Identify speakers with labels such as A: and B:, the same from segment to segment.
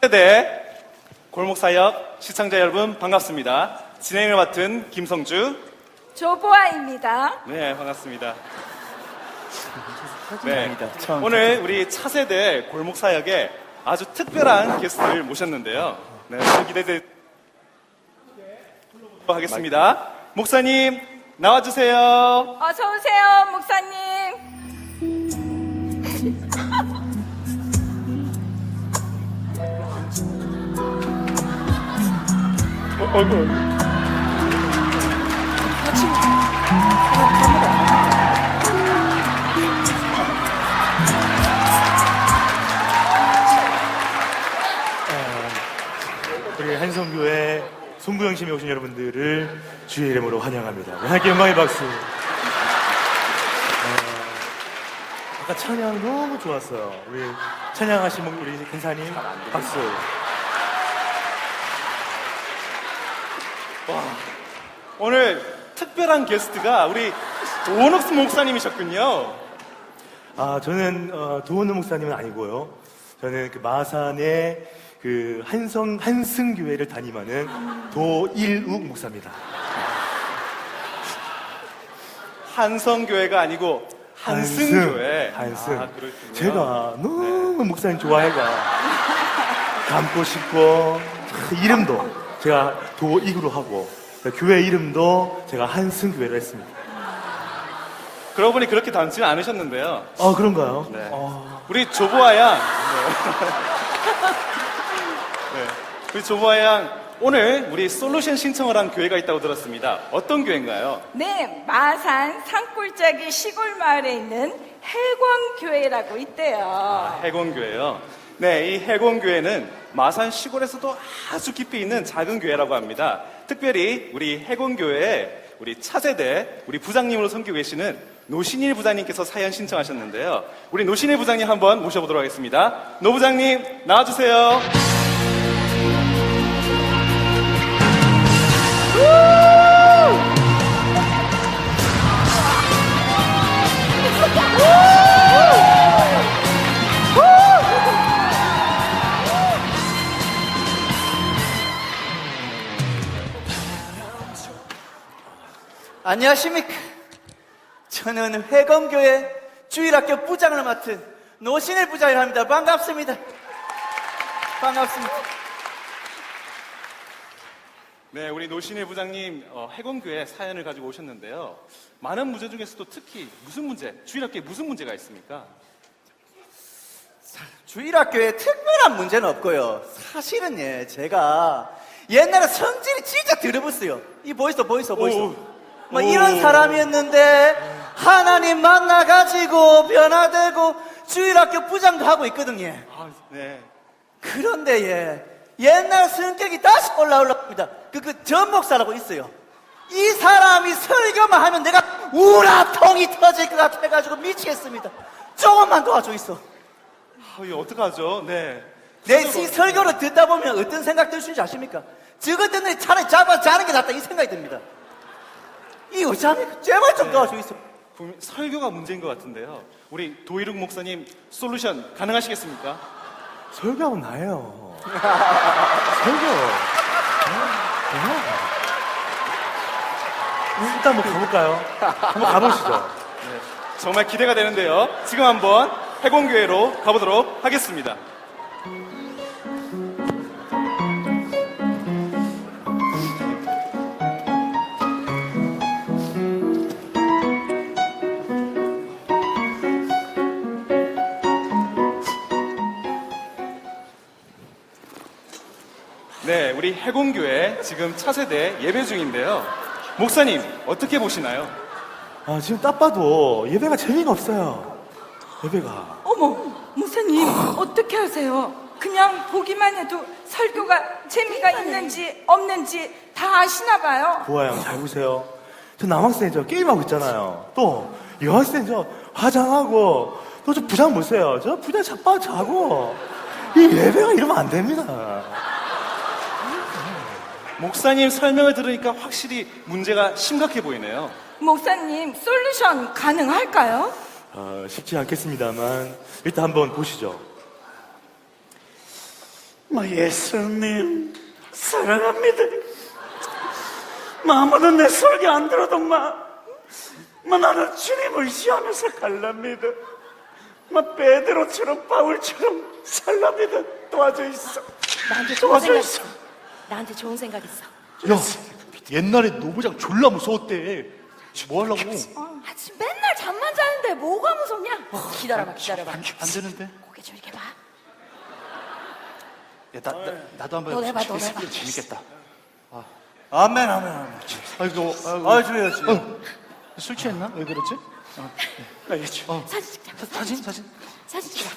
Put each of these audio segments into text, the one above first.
A: 세대 골목사역 시청자 여러분 반갑습니다. 진행을 맡은 김성주
B: 조보아입니다.
A: 네 반갑습니다. 네, 오늘 우리 차세대 골목사역에 아주 특별한 게스트를 모셨는데요. 네, 기대돼 하겠습니다. 목사님 나와주세요.
B: 어서 오세요, 목사님.
C: 우리 한성교회 송구영심에 오신 여러분들을 주의 이름으로 환영합니다. 하나님께 영광의 박수. 아까 찬양 너무 좋았어요. 우리 찬양하신 우리 근사님 박수.
A: 오늘 특별한 게스트가 우리 도원옥스 목사님이셨군요.
C: 저는 도원우 목사님은 아니고요. 저는 그 마산의 그 한승교회를 담임하는 도일욱 목사입니다.
A: 한성교회가 아니고 한승교회.
C: 한승.
A: 그렇군요.
C: 제가 너무 목사님 좋아해가 닮고 싶고 이름도 제가 도이구로 하고 교회 이름도 제가 한승교회로 했습니다.
A: 그러고 보니 그렇게 닮지는 않으셨는데요.
C: 그런가요?
A: 네. 우리 조보아 양. 네. 우리 조보아 양 오늘 우리 솔루션 신청을 한 교회가 있다고 들었습니다. 어떤 교회인가요?
B: 네, 마산 산골짜기 시골 마을에 있는 해권교회라고 있대요.
A: 해공교회요. 네, 이 해공교회는 마산 시골에서도 아주 깊이 있는 작은 교회라고 합니다. 특별히 우리 해공교회에 우리 차세대 우리 부장님으로 섬기고 계시는 노신일 부장님께서 사연 신청하셨는데요. 우리 노신일 부장님 한번 모셔보도록 하겠습니다. 노 부장님 나와주세요.
D: 안녕하십니까. 저는 회검교회 주일학교 부장을 맡은 노신일 부장이라 합니다. 반갑습니다. 반갑습니다.
A: 네, 우리 노신일 부장님 해공교회 사연을 가지고 오셨는데요. 많은 문제 중에서도 특히 무슨 문제, 주일학교에 무슨 문제가 있습니까?
D: 주일학교에 특별한 문제는 없고요. 사실은 제가 옛날에 성질이 진짜 더러웠어요. 이 보이소. 뭐 이런 사람이었는데 하나님 만나가지고 변화되고 주일학교 부장도 하고 있거든요.
A: 네.
D: 그런데 옛날 성격이 다시 올라옵니다. 그 전목사라고 있어요. 이 사람이 설교만 하면 내가 우라통이 터질 것 같아가지고 미치겠습니다. 조금만 도와줘 있어.
A: 이거 어떡하죠? 네.
D: 내 이 설교를 듣다 보면 어떤 생각 들 수 있는지 아십니까? 저것 때문에 차라리 잡아서 자는 게 낫다 이 생각이 듭니다. 이 어찌합니까? 제발 좀 도와줘 있어.
A: 설교가 문제인 것 같은데요. 우리 도일욱 목사님 솔루션 가능하시겠습니까?
C: 설교하면 나예요. 설교. 일단 한번 가볼까요? 한번 가보시죠.
A: 네, 정말 기대가 되는데요. 지금 한번 해공교회로 가보도록 하겠습니다. 네, 우리 해공교회 지금 차세대 예배 중인데요. 목사님 어떻게 보시나요?
C: 지금 딱 봐도 예배가 재미가 없어요. 예배가.
B: 어머, 목사님, 어떻게 하세요? 그냥 보기만 해도 설교가 재미가 있는지 없는지 다 아시나 봐요.
C: 보아 형, 잘 보세요. 저 남학생 게임하고 있잖아요. 또 여학생 화장하고 또 저 부장 보세요. 저 부장 자고 이 예배가 이러면 안 됩니다.
A: 목사님 설명을 들으니까 확실히 문제가 심각해 보이네요.
B: 목사님, 솔루션 가능할까요?
C: 쉽지 않겠습니다만 일단 한번 보시죠.
E: 예수님 사랑합니다. 아무도 내 설교 안 들어도 나는 주님 의지하면서 갈랍니다. 베드로처럼 바울처럼 살랍니다. 도와줘 있어.
F: 나한테 좋은 생각 있어. 나한테 좋은 생각 있어.
G: 야, 옛날에 노부장 졸라 무서웠대. 지금 뭐 하려고?
F: 아, 지금 맨날 잠만 자는데 뭐가 무섭냐? 기다려봐.
G: 안 되는데?
F: 고개 저렇게 봐.
G: 야, 나도 한번
F: 너 해봐, 너
G: 재밌-
F: 해봐.
G: 재밌겠다.
D: 아멘, 아멘, 아멘.
G: 아이고,
D: 아, 주여지.
G: 술 취했나? 왜 그러지?
F: 사진 찍자. 사진 찍자.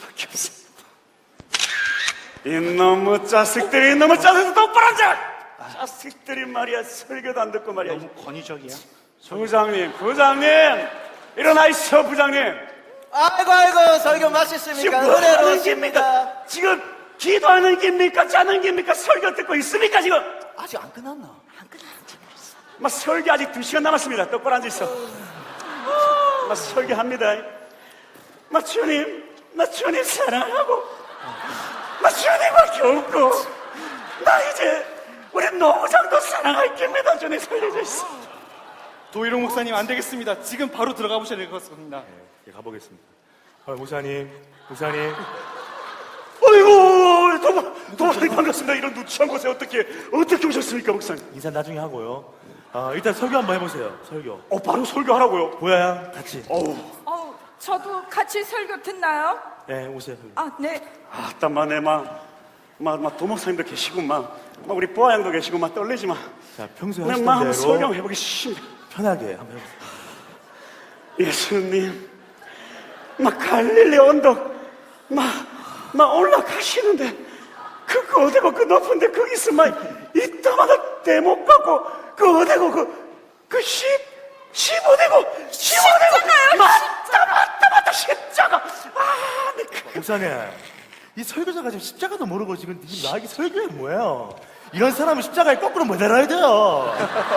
E: 이놈의 자식들이 똑바로 앉아! 자식들이 말이야 설교도 안 듣고 말이야.
G: 너무 권위적이야.
E: 부장님 일어나 있어. 부장님
D: 아이고, 설교
E: 지금
D: 맛있습니까?
E: 뭐 하는
D: 은혜로우십니까?
E: 겁니까? 지금 기도하는 겁니까? 짜는 겁니까? 설교 듣고 있습니까 지금?
D: 아직 안 끝났나?
F: 안 끝났지.
E: 설교 아직 2시간 남았습니다. 똑바로 앉아 있어. 설교합니다. 주님 사랑하고 주님과 겪고 이제 우리 노부장도 사랑할 겁니다. 주님 살려줘 있어.
A: 도희룡 목사님 안 되겠습니다. 지금 바로 들어가 보셔야 될 것 같습니다.
C: 예, 가보겠습니다. 목사님.
E: 아이고, 도부장님 반갑습니다. 이런 누추한 곳에 어떻게 오셨습니까, 목사님?
C: 인사 나중에 하고요. 일단 설교 한번 해보세요. 설교.
E: 바로 설교하라고요.
C: 보야양 같이.
B: 저도 같이 설교 듣나요?
C: 네, 오세요.
B: 아, 네.
E: 아따마네 도목사님도 계시고 우리 부하양도 계시고 떨리지 마.
C: 자, 평소에
E: 내
C: 하시던
E: 마음
C: 대로
E: 설교해보기 싫습니다.
C: 편하게 한번 해보세요.
E: 예수님 갈릴리 언덕 올라가시는데 그 어디고 그 높은데 거기서 이따마다 대목 갖고 그 어디고 그 어디고 맞다 십자가.
C: 목사님, 이 설교자가 지금 십자가도 모르고 지금 나에게 설교해 뭐예요? 이런 사람은 십자가에 거꾸로 못 내려야 돼요.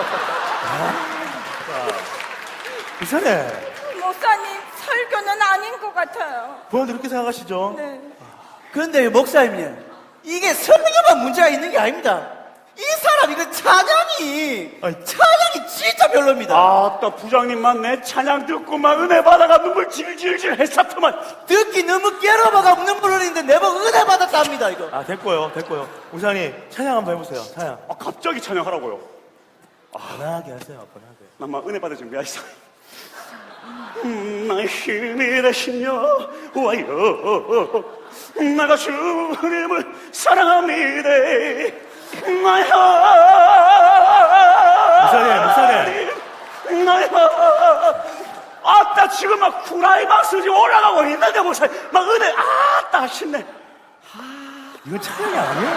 C: 목사님,
B: 목사님, 설교는 아닌 것 같아요.
C: 부모님도 그렇게 생각하시죠?
B: 네.
D: 그런데 목사님, 이게 설교만 문제가 있는 게 아닙니다. 이 사람 이거 찬양이 진짜 별로입니다.
E: 아따 부장님만 내 찬양 듣고 은혜 받아가 눈물 질질질 했었더만.
D: 듣기 너무 깨러봐가 눈물 흘리는데 내가 은혜 받았답니다 이거.
C: 됐고요. 목사님, 찬양 한번 해보세요. 찬양.
E: 갑자기 찬양하라고요.
C: 편하게 하세요, 편하게.
E: 은혜 받을 준비하시오. 나의 힘이 되시며 와요. 내가 주님을 사랑합니다.
C: 목사님.
E: 아따 지금 쿠라이박스지 올라가고 있는데 목사님 은혜 아따 하시네.
C: 이건 찬양이 아니야.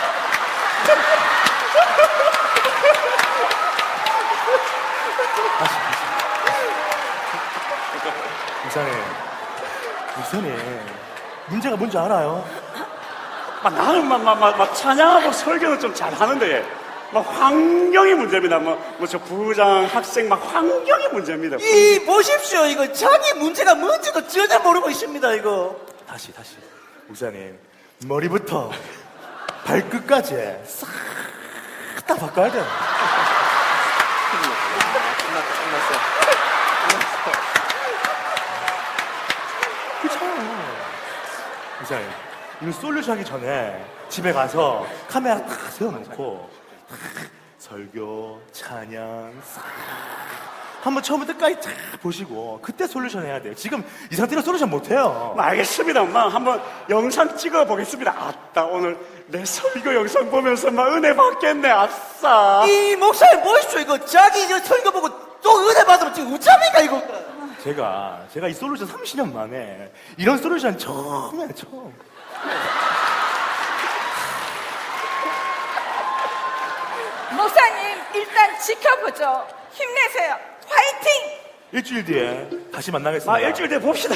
C: 목사님, 문제가 뭔지 알아요?
E: 나는 찬양하고 설교는 좀 잘하는데 환경이 문제입니다. 저 부장 학생 환경이 문제입니다.
D: 이 보십시오 이거 자기 문제가 뭔지도 전혀 모르고 있습니다 이거.
C: 다시. 목사님, 머리부터 발끝까지 싹 다 바꿔야 돼요. 목사님, 이거 솔루션 하기 전에 집에 가서 카메라 탁 세워놓고 탁 설교, 찬양 싹 한번 처음부터 끝까지 쫙 보시고 그때 솔루션 해야 돼요. 지금 이 상태로 솔루션 못해요.
E: 알겠습니다. 한번 영상 찍어 보겠습니다. 아따 오늘 내 설교 영상 보면서 은혜 받겠네. 아싸.
D: 이 목사님 보십시오 이거 자기 이거 설교 보고 또 은혜 받으면 지금 우짜입니까 이거.
C: 제가 이 솔루션 30년 만에 이런 솔루션 처음.
B: 목사님, 일단 지켜보죠. 힘내세요. 화이팅!
C: 일주일 뒤에 다시 만나겠습니다.
E: 일주일 뒤에 봅시다.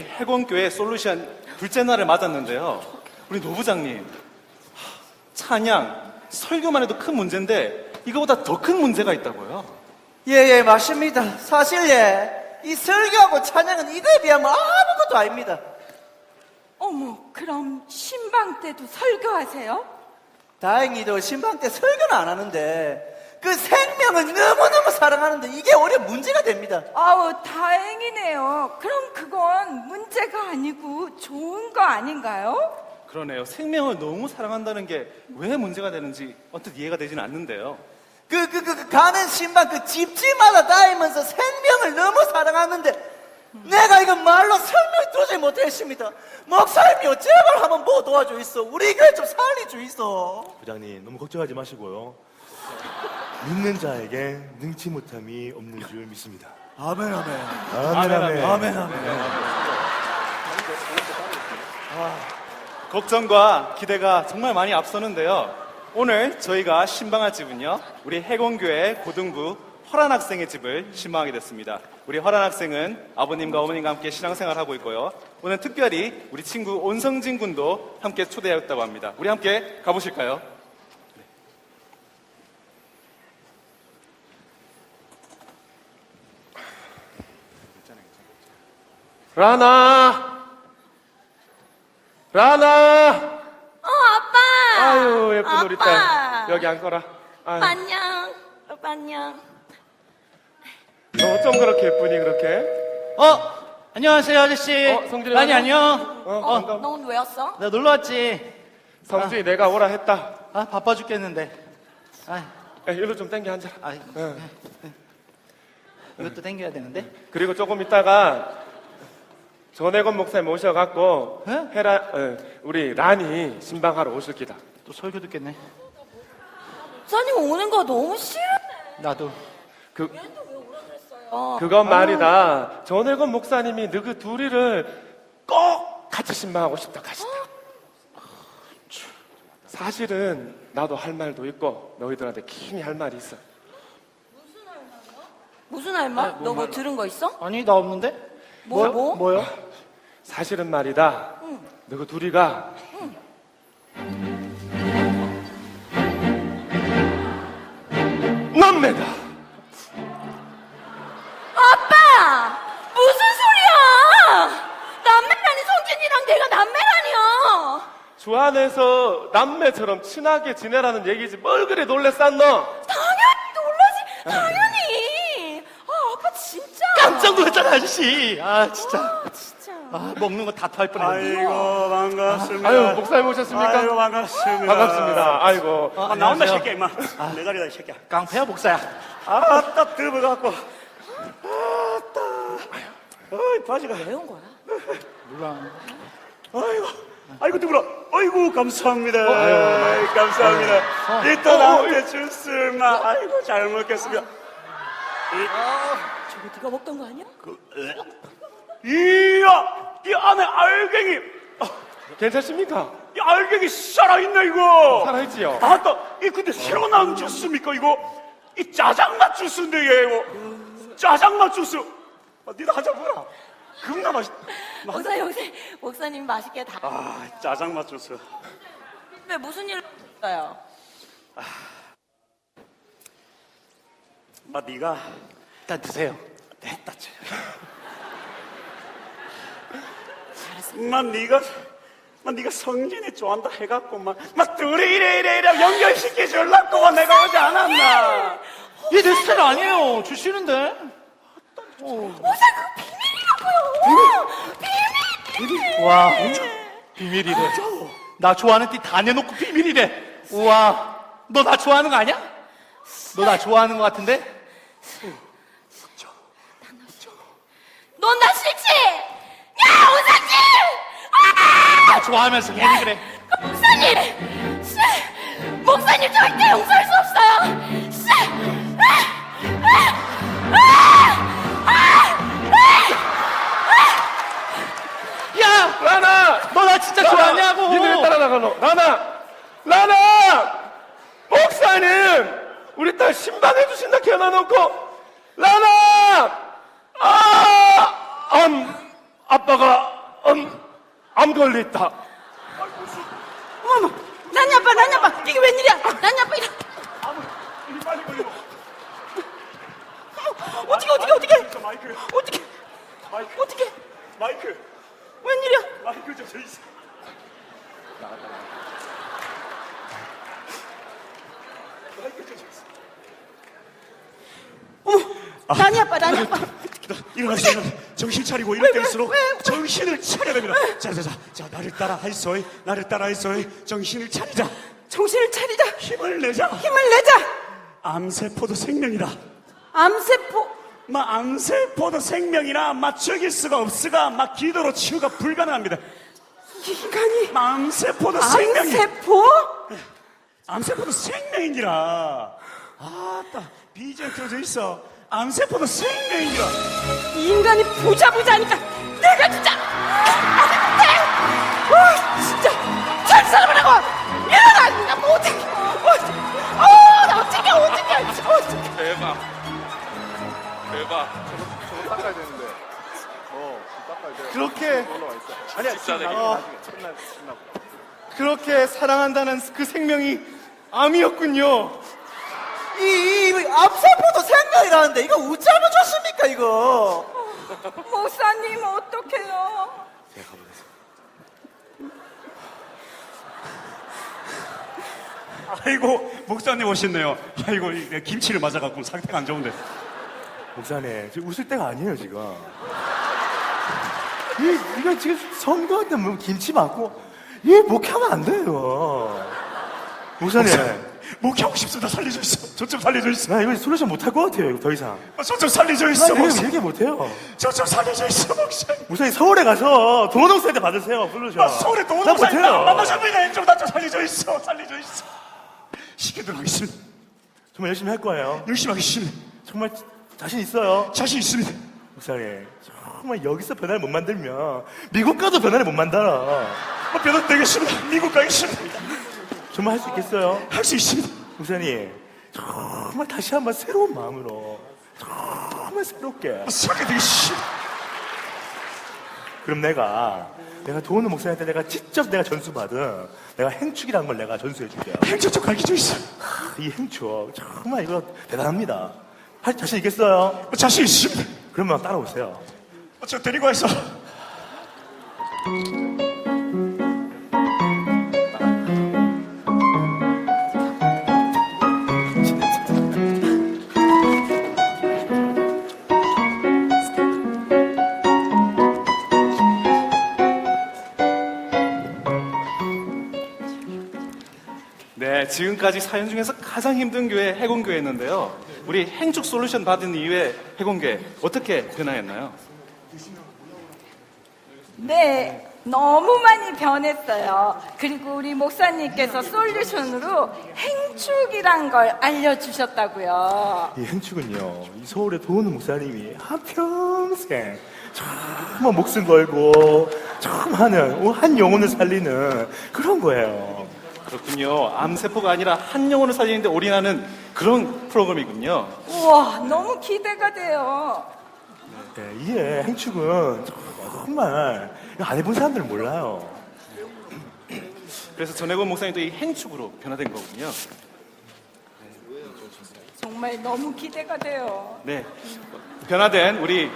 A: 해공교회 솔루션 둘째 날을 맞았는데요. 우리 노부장님, 찬양, 설교만 해도 큰 문제인데 이거보다 더 큰 문제가 있다고요.
D: 예, 맞습니다. 사실 이 설교하고 찬양은 이거에 비하면 아무것도 아닙니다.
B: 어머, 그럼 신방 때도 설교하세요?
D: 다행히도 신방 때 설교는 안 하는데 그 생명을 너무너무 사랑하는데 이게 오히려 문제가 됩니다.
B: 아우, 다행이네요. 그럼 그건 문제가 아니고 좋은 거 아닌가요?
A: 그러네요. 생명을 너무 사랑한다는 게 왜 문제가 되는지 언뜻 이해가 되지는 않는데요.
D: 가는 신방 그 집집마다 다니면서 생명을 너무 사랑하는데 내가 이거 말로 설명 도저히 못했습니다. 목사님이요, 제발 한번 뭐 도와줘 있어. 우리 교회 좀 살려줘 있어.
C: 부장님 너무 걱정하지 마시고요. 믿는 자에게 능치 못함이 없는 줄 믿습니다.
D: 아멘.
C: 아멘.
A: 걱정과 기대가 정말 많이 앞서는데요. 오늘 저희가 신방할 집은요, 우리 해공교회 고등부 허란 학생의 집을 신방하게 됐습니다. 우리 허란 학생은 아버님과 어머님과 함께 신앙생활을 하고 있고요. 오늘 특별히 우리 친구 온성진 군도 함께 초대하였다고 합니다. 우리 함께 가보실까요?
E: 라나!
F: 아빠!
E: 아유, 예쁜 우리
F: 아빠!
E: 딸. 여기 앉거라. 아유,
F: 오빠 안녕. 오빠 안녕.
E: 너 어쩜 그렇게 예쁘니, 그렇게?
G: 안녕하세요, 아저씨.
E: 성준이
G: 라니
E: 왔나?
G: 안녕.
E: 반가워.
F: 너 오늘 왜 왔어?
G: 나 놀러 왔지.
E: 성준이 내가 오라 했다.
G: 바빠 죽겠는데.
E: 야, 일로 좀 당겨 앉아라. 응.
G: 이것도 당겨야 되는데.
E: 그리고 조금 있다가 전혜건 목사님 오셔갖고
G: 네?
E: 우리 란이 신방하러 오실 기다.
G: 또 설교 듣겠네.
F: 사님 오는 거 너무 싫어.
G: 나도.
E: 그건 말이다. 전혜건 목사님이 너그 둘이를 꼭 같이 신방하고 싶다 하시다. 사실은 나도 할 말도 있고 너희들한테 긴히 할 말이 있어.
F: 무슨 할 말? 너 뭐 들은 거 있어?
G: 아니, 나 없는데?
F: 뭐?
G: 뭐요?
E: 사실은 말이다. 너그 둘이가 남매다.
F: 아빠! 무슨 소리야! 남매라니 성진이랑 내가 남매라니요!
E: 주 안에서 남매처럼 친하게 지내라는 얘기지 뭘 그래 놀랬산 너.
F: 당연히 놀라지! 당연히! 아빠 진짜!
G: 깜짝 놀랐잖아, 아저씨. 진짜.
F: 진짜.
G: 먹는 거 다 토할 뻔했네.
E: 아이고
H: 반갑습니다.
E: 아유 목사님 오셨습니까?
H: 아이고 반갑습니다.
E: 반갑습니다. 아이고
H: 나온다
G: 안녕하세요.
H: 새끼야 임마. 내 자리다 이 새끼야.
G: 깡패야, 목사야.
H: 아따 드버갖고. 아따. 어이 바지가.
F: 왜 온 거야?
G: 몰라.
H: 아이고 두부라. 아이고 감사합니다. 아이고, 감사합니다. 이따 나한테 주스마. 아이고 잘 먹겠습니다.
F: 저거 네가 먹던 거 아니야?
H: 이야 이 안에 알갱이.
E: 괜찮습니까?
H: 이 알갱이 살아있네 이거.
E: 살아있지요?
H: 아따 이 근데 새로 나온 주스입니까 이거? 이 짜장맛 주스인데 얘 이거. 짜장맛 주스. 니도 하자 보라. 겁나 맛있다.
F: 목사님 맛있게 다.
H: 아 짜장맛 주스.
F: 왜 무슨 일로 왔어요?
H: 네가
G: 일단 드세요.
H: 됐다. 네가 성진이 좋아한다 해갖고 막 둘이 이래 연결시켜 줄라고 내가 오지 않았나?
G: 얘 내 스타일 아니에요. 주시는데.
F: 목사 그거 비밀이라고요!
G: 와, 비밀이래. 나 좋아하는 띠 다 내놓고 비밀이래. 우와, 너 나 좋아하는 거 아니야? 너 나 좋아하는 거 같은데?
F: 넌 나 싫지? 야, 오사님!
G: 나 좋아하면서 괜히 그래.
F: 목사님 절대 용서할 수 없어요!
G: 야,
E: 라나!
G: 너 나 진짜 좋아하냐고.
E: 니들 따라나가 너. 라나! 목사님! 우리 딸 신방해 주신다 개나놓고 라나! 아빠가 암 걸렸다.
F: 어머, 난이 아빠, 이게 웬일이야? 난이 아빠 이래.
H: 이 빨리 걸려.
F: 어떻게?
H: 마이크.
F: 어떻게?
H: 마이크.
F: 어떻게?
H: 마이크.
F: 웬일이야?
H: 마이크 저 있어.
F: 난이 아빠.
H: 일어나세요. 정신 차리고 이럴 때일수록 정신을 차려야 됩니다. 자, 나를 따라 하이소이. 나를 따라 하이소이. 정신을 차리자.
B: 정신을 차리자.
H: 힘을 내자.
B: 힘을 내자.
H: 암세포도 생명이다.
B: 암세포.
H: 암세포도 생명이라 죽일 수가 없으가 기도로 치유가 불가능합니다.
B: 인간이
H: 암세포도 생명이.
B: 암세포?
H: 암세포도 생명이니라. 아따 BGM 틀어져 있어. 암세포도 생명이니라.
B: 이 인간이 부자니까 내가 진짜 진짜 잘 살아보라고. 일어나. 나 뭐 어떡해. 나 어떡해.
A: 대박.
C: 저거 닦아야 되는데. 닦아야 돼. 그렇게 아니야. 끝나고. 그렇게 사랑한다는 그 생명이 암이었군요.
D: 이 암세포도 생명이라는데 이거 어쩌면 좋습니까 이거?
B: 목사님 어떡해요?
H: 아이고 목사님 오셨네요. 아이고 김치를 맞아갖고 상태가 안 좋은데.
C: 목사님, 지금 웃을 때가 아니에요, 지금. 이거 지금 선거 때 뭐 김치 맞고, 목하면 안 돼요. 목사님.
H: 목하고 싶습니다. 살려줘 있어. 저 좀 살려줘 있어.
C: 나 이거 솔루션 못할 것 같아요, 이거 더 이상.
H: 저 좀 살려줘
C: 나
H: 있어.
C: 이거
H: 목사님.
C: 얘기 못해요.
H: 저 좀 살려줘 있어. 목사님.
C: 목사님, 서울에 가서 도농사한테 받으세요, 솔루션.
H: 서울에
C: 나
H: 동영상이
C: 못해요.
H: 만나셨는데 나 좀 살려줘 있어. 살려줘 있어. 시키도록 하겠습니다.
C: 정말 열심히 할 거예요.
H: 열심히 하겠습니다.
C: 정말 자신 있어요.
H: 자신 있습니다.
C: 목사님, 정말 여기서 변화를 못 만들면 미국 가도 변화를 못 만들어.
H: 변호 되겠습니다. 미국 가겠습니다.
C: 정말 할 수 있겠어요?
H: 할 수 있습니다.
C: 목사님, 정말 다시 한번 새로운 마음으로 정말 새롭게.
H: 살게 되겠습니다.
C: 그럼 내가 도우는 목사님한테 내가 직접 내가 전수받은 내가 행축이라는 걸 내가 전수해 줄게요.
H: 행정 좀 가르쳐 있어.
C: 이 행축 정말 이거 대단합니다. 할 자신 있겠어요?
H: 자신 있습니다.
C: 그러면 따라오세요.
H: 저 데리고 와서.
A: 네, 지금까지 사연 중에서 가장 힘든 교회 해공교회였는데요. 우리 행축 솔루션 받은 이후에 해공교회 어떻게 변화했나요?
B: 네, 너무 많이 변했어요. 그리고 우리 목사님께서 솔루션으로 행축이란 걸 알려주셨다고요.
C: 이 행축은요, 이 서울의 도우는 목사님이 한평생 정말 목숨 걸고 정말 하는 한 영혼을 살리는 그런 거예요.
A: 그렇군요. 암세포가 아니라 한 영혼을 살리는데 올인하는 그런 프로그램이군요.
B: 우와, 너무 기대가 돼요.
C: 네, 이게 행축은 정말 안 해본 사람들은 몰라요.
A: 그래서 전혜권 목사님도 이 행축으로 변화된 거군요.
B: 정말 너무 기대가 돼요.
A: 네, 변화된 우리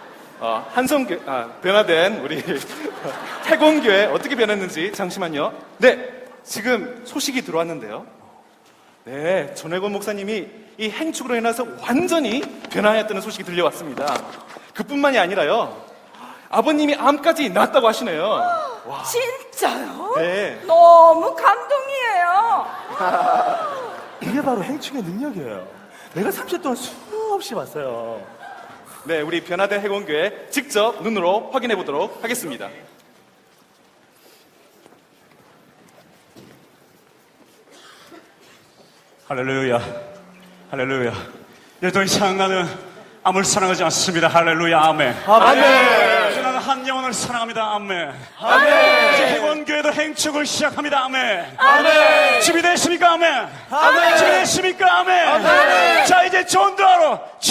A: 변화된 우리 해공교회 어떻게 변했는지 잠시만요. 네, 지금 소식이 들어왔는데요. 네, 전혜권 목사님이 이 행축으로 인해서 완전히 변화했다는 소식이 들려왔습니다. 그뿐만이 아니라요, 아버님이 암까지 낫다고 하시네요.
B: 진짜요?
A: 네.
B: 너무 감동이에요.
C: 이게 바로 행축의 능력이에요. 내가 30년 동안 수없이 봤어요.
A: 네, 우리 변화된 해공교회 직접 눈으로 확인해 보도록 하겠습니다.
H: 할렐루야. 할렐루야. 네, 더 이상 나는 암을 사랑하지 않습니다. 할렐루야. 아멘.
C: 아멘.
H: 이제 나는 한 영혼을 사랑합니다. 아멘. 아멘. 이제 해원교회도 행축을 시작합니다. 아멘. 아멘. 준비됐습니까? 아멘. 아멘. 준비됐습니까? 아멘. 아멘. 자, 이제 전도하러